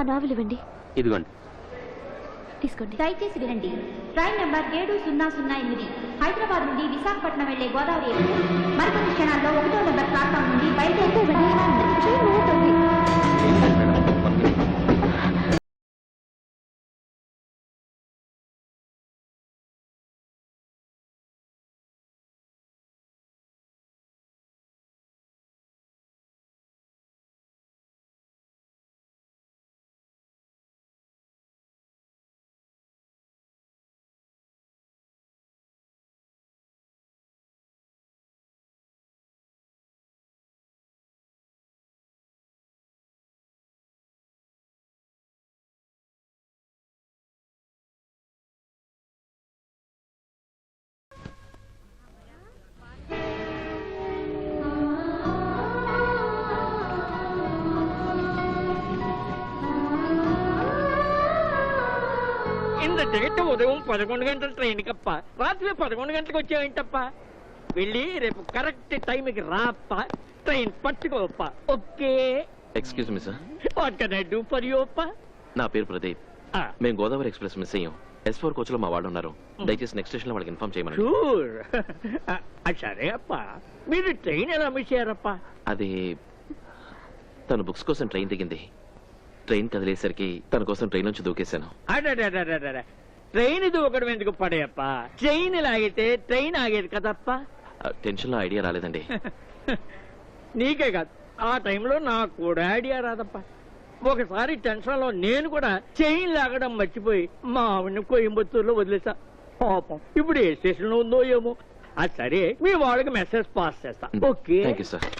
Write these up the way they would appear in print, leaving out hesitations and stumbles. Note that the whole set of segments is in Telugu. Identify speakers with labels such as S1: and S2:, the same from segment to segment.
S1: నావెల్ ఇవ్వండి.
S2: ఇదిగోండి.
S1: తీసుకోండి.
S3: దయచేసి వినండి. ట్రైన్ నెంబర్ 7008 హైదరాబాద్ నుండి విశాఖపట్నం వెళ్లే గోదావరి ఎక్స్ప్రెస్ మరికొన్ని క్షణాల్లో 1వ నెంబర్ ప్లాట్ఫామ్ నుండి బయలుదేరుతుంది.
S4: ఇంత టికెట్ ఉదయం 11 గంటల ట్రైన్ కప్ప రాత్రి 11 గంటలకు వచ్చావేంటప్ప? వెళ్ళి రేపు కరెక్ట్ టైంకి రాప్ప, ట్రైన్ పట్టుకోప్ప. Okay.
S2: Excuse me sir.
S4: What can I do for you అప్ప?
S2: నా పేరు ప్రదీప్. మేము గోదావరి ఎక్స్ప్రెస్ మిస్ అయ్యాం. S4 కోచ్ లో మా వాళ్ళు ఉన్నారు. దయచేసి నెక్స్ట్ స్టేషన్ లో వాళ్ళకి ఇన్ఫార్మ్ చేయమని.
S4: షూర్. సరే అప్ప. మీరు ట్రైన్ ఎలా మిస్ అయ్యారప్ప?
S2: అది తను బుక్స్ కోసం ట్రైన్ దిగింది. ట్రైన్ కదిలేసరికి తన కోసం ట్రైన్ నుంచి దూకేశాను.
S4: ట్రైన్ దూకడం ఎందుకు పడేయప్ప? ట్రైన్ లాగితే ట్రైన్ ఆగేది కదప్ప.
S2: టెన్షన్ లో ఐడియా రాలేదండి.
S4: నీకే కాదు, ఆ టైంలో నాకు కూడా ఐడియా రాదప్ప. ఒకసారి టెన్షన్ లో నేను కూడా చైన్ లాగడం మర్చిపోయి మా ఆవిడని కోయంబత్తూరులో వదిలేసా. పాపం ఇప్పుడు ఏ స్టేషన్ లో ఉందో ఏమో. అది సరే, మీ వాళ్ళకి మెసేజ్ పాస్ చేస్తా. Okay.
S2: Thank you sir.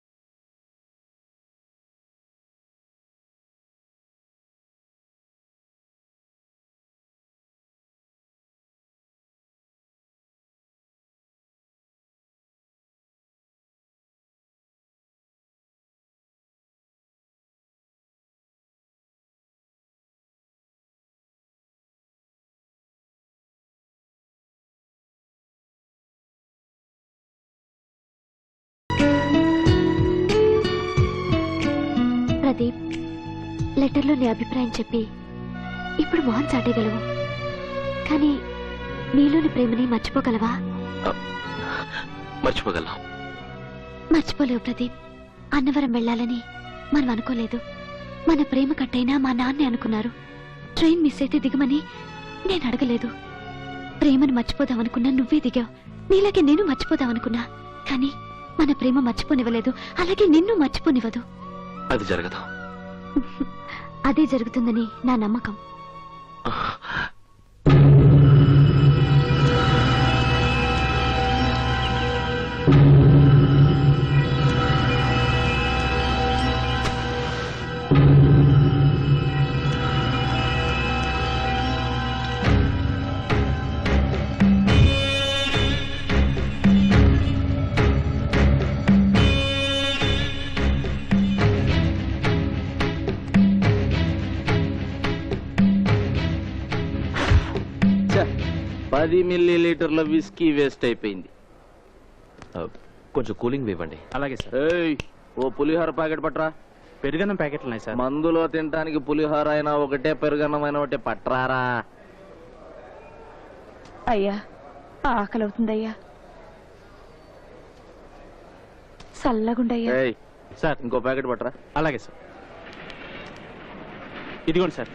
S1: Pradeep, లెటర్లో నీ అభిప్రాయం చెప్పి ఇప్పుడు మొహం చాటేయగలవు, కానీ నీలోని ప్రేమని మర్చిపోగలవా?
S2: మర్చిపోగలను.
S1: మర్చిపోలేవు ప్రదీప్. అన్నవరం వెళ్ళాలని మనం అనుకోలేదు. మన ప్రేమ కట్టైనా మా నాన్నే అనుకున్నారు. ట్రైన్ మిస్ అయితే దిగమని నేను అడగలేదు. ప్రేమను మర్చిపోదామనుకున్నా నువ్వే దిగావు. నీలాగే నేను మర్చిపోదామనుకున్నా, కానీ మన ప్రేమ మర్చిపోనివ్వలేదు. అలాగే నిన్ను మర్చిపోనివ్వదు.
S2: అది జరగదు.
S1: అదే జరుగుతుందని నా నమ్మకం.
S5: $10 మిల్లీలీటర్ల విస్కీ వేస్ట్ అయిపోయింది.
S2: కొంచెం కూలింగ్ ఇవ్వండి.
S5: అలాగే సార్. ఓ పులిహోర ప్యాకెట్ పట్రా.
S6: పెరుగన్నం ప్యాకెట్లు ఉన్నాయి సార్.
S5: మందులో తినడానికి పులిహోర అయినా ఒకటే, పెరుగన్నమైన ఒకటే పట్రారా.
S7: అయ్యా, ఆకలి అవుతుందయ్యా. చల్లగుండయ్యా.
S5: సార్, ఇంకో ప్యాకెట్ పట్రా.
S6: అలాగే సార్. ఇదిగోండి సార్.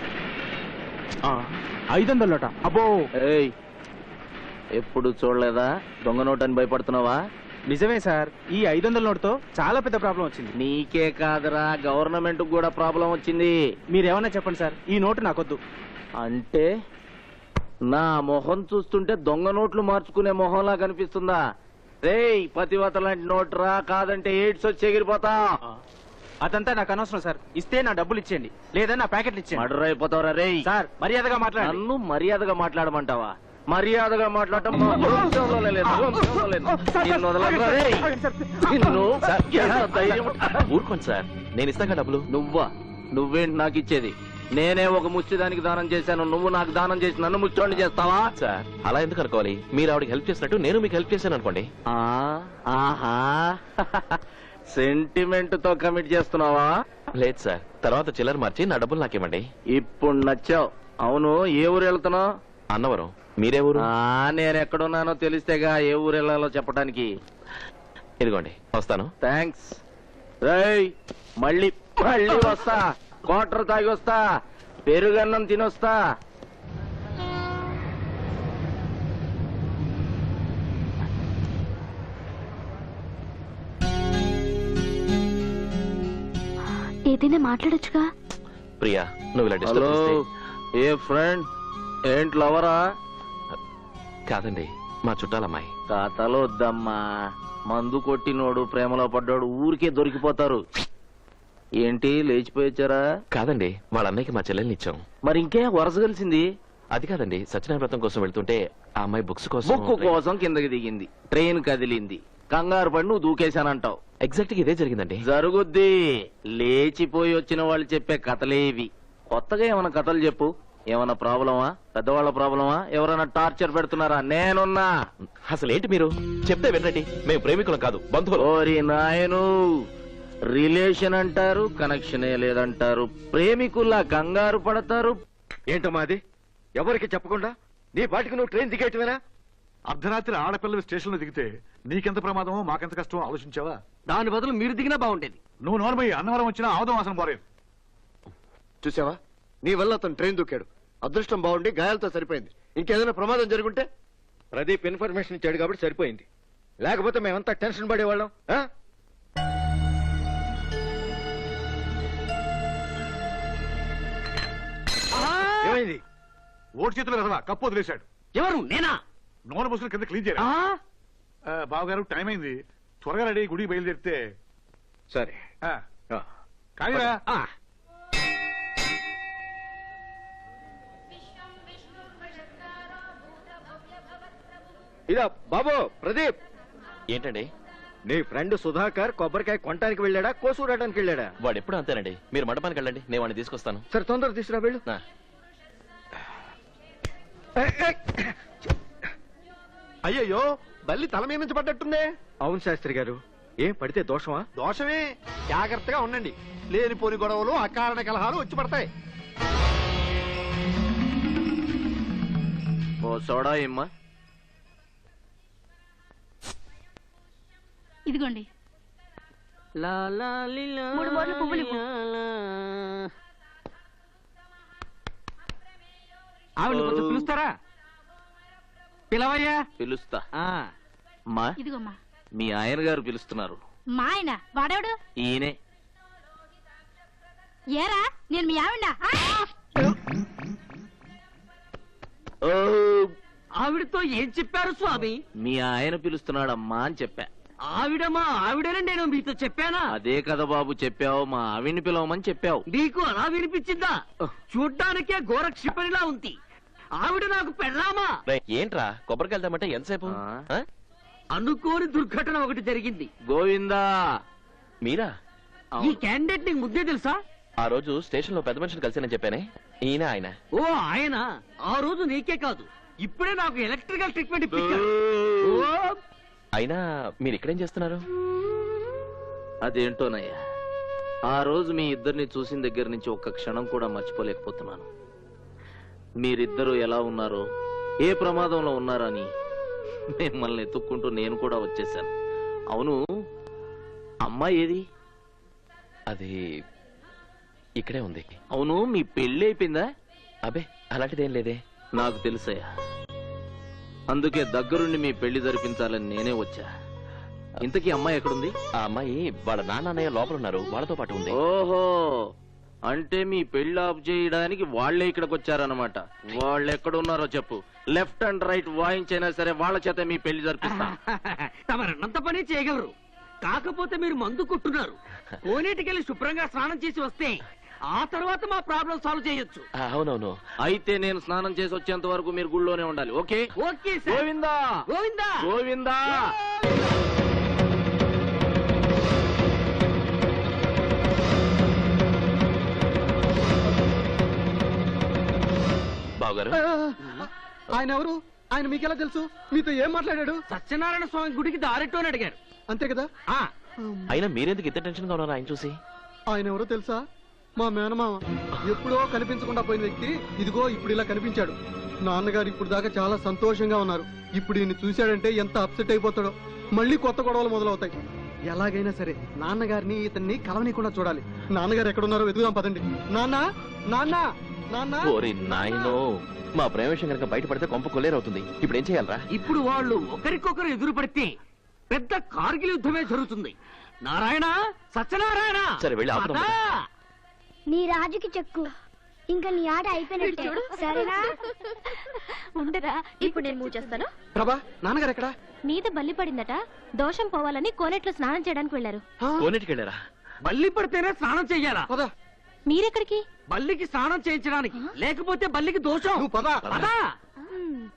S6: 500. అబ్బో.
S5: ఎప్పుడు చూడలేదా దొంగ నోట్ అని భయపడుతున్నావా?
S6: నిజమే సార్, ఈ 500 నోటుతో చాలా పెద్ద ప్రాబ్లం వచ్చింది.
S5: నీకే కాదురా, గవర్నమెంట్ కూడా ప్రాబ్లం వచ్చింది.
S6: మీరేమన్నా చెప్పండి సార్, ఈ నోటు నాకొద్దు.
S5: అంటే నా మొహం చూస్తుంటే దొంగ నోట్లు మార్చుకునే మొహంలా కనిపిస్తుందా? రేయ్, పతివత లాంటి నోట్ రా, కాదంటే ఎయిడ్స్ వచ్చి ఎగిరిపోతా.
S6: అదంతా నాకు అనవసరం సార్. ఇస్తే నా డబ్బులు ఇచ్చేయండి, లేదా నా ప్యాకెట్లు ఇచ్చేయండి.
S5: మర్డర్ అయిపోతావురా రేయ్.
S6: సార్, మర్యాదగా మాట్లాడండి.
S5: నన్ను మర్యాదగా మాట్లాడమంటావా? మర్యాదగా మాట్లాడటం మా వంశంలోనే లేదు. నిన్ను వదలరా రేయ్. నిన్ను ఎంత ధైర్యం?
S2: ఊరుకోండి సార్, నేను ఇస్తాగా డబ్బులు.
S5: నువ్వేంటి నాకు ఇచ్చేది? నేనే ఒక ముష్టిదానికి దానం చేశాను, నువ్వు నాకు దానం చేసి నన్ను ముచ్చోండి చేస్తావా?
S2: సార్, అలా ఎందుకు అనుకోవాలి? మీరు ఆవిడకి హెల్ప్ చేసినట్టు నేను మీకు హెల్ప్ చేశాను అనుకోండి.
S5: ఆహా, సెంటిమెంట్ తో కమిట్ చేస్తున్నావా?
S2: లేదు సార్, తర్వాత చిల్లర మార్చి నా డబ్బులు నాకివ్వండి.
S5: ఇప్పుడు నచ్చావు. అవును, ఏ ఊరు వెళ్తున్నావు?
S2: అన్నవరం. మీరే ఊరు?
S5: నేను ఎక్కడున్నానో తెలిస్తేగా ఏ ఊరు వెళ్ళాలో చెప్పడానికి.
S2: ఇదిగోండి, వస్తాను.
S5: థ్యాంక్స్. రేయ్, మళ్ళీ మళ్ళీ వస్తా. క్వార్టర్ తాగి వస్తా, పెరుగన్నం తినొస్తా.
S1: ఏదైనా మాట్లాడొచ్చుగా.
S2: ప్రియా, నువ్వు ఇలా
S5: హలో,
S2: డిస్టర్బ్ చేస్తే.
S5: ఏ ఫ్రెండ్, ఏంటి లవరా?
S2: కాదండి, మా చుట్టాలమ్మాయి.
S5: కథలు వద్దమ్మా. మందు కొట్టినోడు ప్రేమలో పడ్డాడు ఊరికే దొరికిపోతారు. ఏంటి లేచిపోయొచ్చారా?
S2: కాదండి, వాళ్ళ అన్నయ్యకి మా చెల్లెల్ని ఇచ్చాం.
S5: మరి ఇంకే వరస కలిసింది.
S2: అది కాదండి, సత్యనారాయణ వ్రతం కోసం వెళ్తుంటే ఆ అమ్మాయి బుక్స్ కోసం.
S5: బుక్కు కోసం కిందకి దిగింది, ట్రైన్ కదిలింది, కంగారు పడి నువ్వు దూకేశానంటావు.
S2: ఎగ్జాక్ట్ గా ఇదే జరిగిందండి.
S5: జరుగుద్ది. లేచిపోయి వచ్చిన వాళ్ళు చెప్పే కథలేవి. కొత్తగా ఏమైనా కథలు చెప్పు. ఏమైనా ప్రాబ్లమా? పెద్దవాళ్ళ ప్రాబ్లమా? ఎవరైనా టార్చర్ పెడుతున్నారా? నేనున్నా.
S2: అసలు ఏంటి మీరు చెప్తే వినండి. మేము ప్రేమికులం కాదు, బంధువులు.
S5: ఓరి నాయను, రిలేషన్ అంటారు, కనెక్షనే లేదంటారు. ప్రేమికుల్లా కంగారు పడతారు.
S8: ఏంటమ్మా అది? ఎవరికి చెప్పకుండా నీ పాటికి నువ్వు ట్రైన్ దిగేయటమేనా?
S9: అర్ధరాత్రి ఆడపిల్లలు స్టేషన్ లో దిగితే నీకెంత ప్రమాదమో మాకెంత కష్టమో ఆలోచించావా?
S8: దాని బదులు మీరు దిగినా బాగుండేది.
S9: నువ్వు నోర్మయ్యి, అన్నవరం వచ్చినా ఆవదం వాసన పోలేదు.
S8: చూసావా, నీ వల్ల అతను ట్రైన్ దూకాడు. అదృష్టం బాగుండి గాయాలతో సరిపోయింది. ఇంకేదైనా ప్రమాదం జరుగుంటే? ప్రదీప్ ఇన్ఫర్మేషన్ ఇచ్చాడు కాబట్టి సరిపోయింది. లేకపోతే మేమంతా టెన్షన్ పడేవాళ్ళం. ఏమైంది?
S9: ఓటు చేతులు కదవా, కప్పు వదిలేశాడు.
S8: ఎవరు? నేనా?
S9: నోరు ముసులు కింద క్లీన్ చేయరా? బావగారు, టైం అయింది, త్వరగా రెడీ గుడికి బయలుదేరితే.
S8: సరే.
S9: కానీరా.
S8: ఇదా బాబు ప్రదీప్.
S2: ఏంటండి?
S8: నీ ఫ్రెండ్ సుధాకర్ కొబ్బరికాయ కొనడానికి వెళ్ళాడా, కోసూరడానికి వెళ్ళాడా?
S2: వాడు ఎప్పుడు అంతేనండి. మీరు మండపానికి వెళ్ళండి, నేను వాడిని తీసుకొస్తాను.
S8: సరే, తొందర తీసుకురా వెళ్ళు.
S2: నా.
S8: అయ్యయ్యో, బల్లి తల మీద నుంచి పడ్డట్టుందే. అవును శాస్త్రి గారు. ఏం పడితే దోషమా?
S9: దోషమే. జాగ్రత్తగా ఉండండి, లేనిపోని గొడవలు, అకారణ కలహాలు వచ్చి పడతాయి.
S5: ఓ సోడా ఏమ్మా?
S7: ఇదిగోండి. 3 మూరలు పువ్వులు ఇవ్వు.
S6: ఆవిడ కొంచెం పిలుస్తారా? పిలవయ్యా.
S5: పిలుస్తా. మా
S7: ఇదిగోమ్మా.
S5: మీ ఆయన గారు పిలుస్తున్నారు.
S7: మా ఆయన వాడేవాడు?
S5: ఈయనే.
S7: ఏరా, నేను మీ ఆవిడ.
S5: ఓ,
S6: ఆవిడతో ఏం చెప్పారు స్వామి?
S5: మీ ఆయన పిలుస్తున్నాడమ్మా అని చెప్పా.
S6: ఆవిడని నేను మీతో చెప్పానా?
S5: అదే కదా బాబు చెప్పావు, మా ఆవిడ్ని పిలవమని చెప్పావు.
S6: నీకు అలా వినిపించిందా? చూడ్డానికే ఘోర క్షిపణిలా ఉంది. ఆవిడ నాకు పెళ్ళామా?
S2: ఏంట్రా కొబ్బరికి వెళ్తామంటే ఎంతసేపు?
S6: అనుకోని దుర్ఘటన ఒకటి జరిగింది.
S5: గోవిందా.
S2: మీరా?
S6: ఈ క్యాండిడేట్ నీకు ముద్దే తెలుసా?
S2: ఆ రోజు స్టేషన్ లో పెద్ద మనిషిని కలిసానని చెప్పానే, ఈయన ఆయన.
S6: ఓ ఆయన. ఆ రోజు నీకే కాదు, ఇప్పుడే నాకు ఎలక్ట్రికల్ ట్రీట్మెంట్ ఇప్పించారు.
S2: అయినా మీరు ఇక్కడేం చేస్తున్నారు?
S5: అదేంటోనయ్యా, ఆ రోజు మీ ఇద్దరిని చూసిన దగ్గర నుంచి ఒక్క క్షణం కూడా మర్చిపోలేకపోతున్నాను. మీరిద్దరూ ఎలా ఉన్నారో, ఏ ప్రమాదంలో ఉన్నారని మిమ్మల్ని ఎత్తుక్కుంటూ నేను కూడా వచ్చేసాను. అవును, అమ్మాయి ఏది?
S2: అది ఇక్కడే ఉంది.
S5: అవును, మీ పెళ్లి అయిపోయిందా?
S2: అబే, అలాంటిదేం లేదే.
S5: నాకు తెలుసయ్యా, అందుకే దగ్గరుండి మీ పెళ్లి జరిపించాలని నేనే వచ్చా. ఇంతకీ అమ్మాయి ఎక్కడుంది?
S2: ఆ అమ్మాయి వాళ్ళ నాన్నయ్య లోపల ఉన్నారు, వాళ్ళతో పాటు ఉంది.
S5: ఓహో, అంటే మీ పెళ్లి ఆఫ్ చేయడానికి వాళ్లే ఇక్కడికి వచ్చారన్నమాట. వాళ్ళు ఎక్కడున్నారో చెప్పు, లెఫ్ట్ అండ్ రైట్ వాయించైనా సరే వాళ్ళ చేత మీ పెళ్లి జరిపిస్తా.
S6: తమరన్నంత పని చేయగలరు, కాకపోతే మీరు మందు కొట్టున్నారు. కోనేటికెళ్ళి శుభ్రంగా స్నానం చేసి వస్తే ఆ తర్వాత మా ప్రాబ్లం సాల్వ్ చేయొచ్చు.
S2: అవునవును.
S5: అయితే నేను స్నానం చేసి వచ్చేంత వరకు మీరు గుళ్ళోనే ఉండాలి. ఓకే?
S6: ఓకే.
S5: గోవిందా
S6: గోవిందా
S5: గోవిందా.
S2: బావగారు,
S8: ఆయన ఎవరు? ఆయన మీకెలా తెలుసు? మీతో ఏం మాట్లాడాడు?
S6: సత్యనారాయణ స్వామి గుడికి దారెట్టు అని అడిగారు.
S8: అంతే కదా?
S2: అయినా మీరెందుకు ఇంత టెన్షన్ గా ఉన్నారు ఆయన చూసి?
S10: ఆయన ఎవరో తెలుసా? మా మేనమామ. ఎప్పుడో కనిపించకుండా పోయిన వ్యక్తి ఇదిగో ఇప్పుడు ఇలా కనిపించాడు. నాన్నగారు ఇప్పుడు దాకా చాలా సంతోషంగా ఉన్నారు. ఇప్పుడు ఈయన చూశాడంటే ఎంత అప్సెట్ అయిపోతాడో. మళ్ళీ కొత్త గొడవలు మొదలవుతాయి. ఎలాగైనా సరే నాన్నగారిని ఇతన్ని కలవనీయకుండా చూడాలి. నాన్నగారు ఎక్కడున్నారో వెతుకుదాం పదండి. నాన్న నాన్న నాన్న.
S2: ఓరి నాయనో, మా ప్రేమ విషయం కనుక బయటపడితే కొంప కొల్లేరవుతుంది. ఇప్పుడు ఏం చేయాలరా?
S6: ఇప్పుడు వాళ్ళు ఒకరికొకరు ఎదురు పడితే పెద్ద కార్గిల్ యుద్ధమే జరుగుతుంది. నారాయణ, సత్యనారాయణ.
S2: సరే, వెళ్ళి ఆపుదాం.
S6: అదా.
S11: నీ రాజుకి చెక్కు. ఇంకా నీ ఆట అయిపోయినట్టు చూడు. సరేనా?
S1: ఉండరా, ఇప్పుడు నేను మూవ్ చేస్తాను.
S10: ప్రభా, నాన్నగారు ఎక్కడా?
S1: మీద బల్లి పడిందట, దోషం పోవాలని కోనేట్లో స్నానం చేయడానికి వెళ్ళారు.
S2: కోనేటికి వెళ్ళారా?
S6: బల్లి పడితేనే స్నానం చెయ్యాలా?
S10: పదా.
S1: మీరెక్కడికి?
S6: బల్లికి స్నానం చేయించడానికి, లేకపోతే బల్లికి దోషం.
S10: నువ్వు పదా.
S6: పదా.